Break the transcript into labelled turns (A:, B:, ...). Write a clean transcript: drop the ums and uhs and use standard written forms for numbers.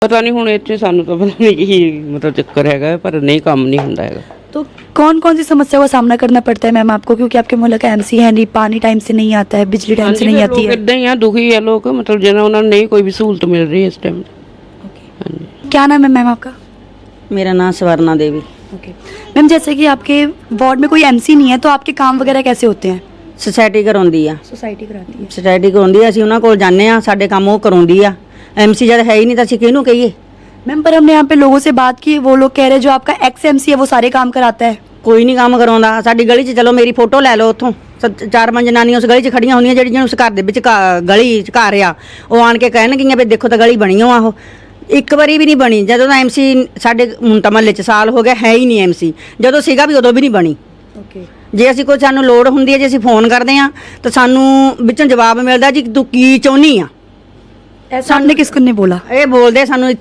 A: ਪਤਾ ਨਹੀਂ ਹੁਣ ਇੱਥੇ ਸਾਨੂੰ ਤਾਂ ਪਤਾ ਨਹੀਂ ਕੀ ਮਤਲਬ ਚੱਕਰ ਹੈਗਾ, ਪਰ ਨਹੀਂ ਕੰਮ ਨਹੀਂ ਹੁੰਦਾ ਹੈਗਾ।
B: तो कौन कौन सी समस्या का सामना करना पड़ता है मैम आपको, क्योंकि आपके मोहल्ले का एमसी है नहीं, पानी टाइम से नहीं आता है, बिजली टाइम से नहीं आती है?
A: इदां ही आ, दुखी है लोग, मतलब जिन्हें उन्हें नहीं कोई भी सहूलत मिल रही है इस टाइम।
B: क्या नाम है मैम आपका?
C: मेरा नाम स्वर्णा देवी।
B: ओके मैम, जैसे कि आपके वार्ड में कोई एमसी नहीं है तो आपके काम वगैरह कैसे होते हैं?
C: सोसाइटी कराउंदी आ,
B: सोसाइटी कराती है।
C: सोसाइटी कराउंदी आ, ਅਸੀਂ ਉਹਨਾਂ ਕੋਲ ਜਾਂਦੇ ਆ, ਸਾਡੇ ਕੰਮ ਉਹ ਕਰਾਉਂਦੀ ਆ। ਐਮਸੀ ਜਦ ਹੈ ਹੀ ਨਹੀਂ ਤਾਂ ਅਸੀਂ ਕਿਹਨੂੰ ਕਹੀਏ?
B: मैम पर हमने यहाँ पे लोगों से बात की, वो लोग कह रहे हैं जो आपका एक्स एमसी है वो सारे काम कराता है।
C: ਕੋਈ ਨਹੀਂ ਕੰਮ ਕਰਾਉਂਦਾ। ਸਾਡੀ ਗਲੀ 'ਚ ਚਲੋ ਮੇਰੀ ਫੋਟੋ ਲੈ ਲਓ, ਉੱਥੋਂ 4-5 ਜਨਾਨੀਆਂ ਉਸ ਗਲੀ 'ਚ ਖੜੀਆਂ ਹੁੰਦੀਆਂ ਜਿਹੜੀਆਂ ਉਸ ਘਰ ਦੇ ਵਿੱਚ ਗਲੀ 'ਚ ਘਰ ਆ, ਉਹ ਆਣ ਕੇ ਕਹਿਣਗੀਆਂ ਵੀ ਦੇਖੋ ਤਾਂ ਗਲੀ ਬਣੀ ਆ। ਉਹ ਇੱਕ ਵਾਰੀ ਵੀ ਨਹੀਂ ਬਣੀ। ਜਦੋਂ ਦਾ ਐਮਸੀ ਸਾਡੇ ਹੁਣ ਤਾਂ ਮਹੱਲੇ 'ਚ ਸਾਲ ਹੋ ਗਿਆ, ਹੈ ਹੀ ਨਹੀਂ ਐਮਸੀ। ਜਦੋਂ ਸੀਗਾ ਵੀ ਉਦੋਂ ਵੀ ਨਹੀਂ ਬਣੀ।
B: ओके
C: ਜੇ ਅਸੀਂ ਕੋਈ ਸਾਨੂੰ ਲੋੜ ਹੁੰਦੀ ਹੈ, ਜੇ ਅਸੀਂ ਫੋਨ ਕਰਦੇ ਆ ਤਾਂ ਸਾਨੂੰ ਵਿੱਚੋਂ ਜਵਾਬ ਮਿਲਦਾ ਜੀ ਤੂੰ ਕੀ ਚਾਹੁੰਦੀ ਆ।
B: ऐसा हमने किसको नहीं बोला?
C: ਇਹ ਬੋਲਦੇ ਸਾਨੂੰ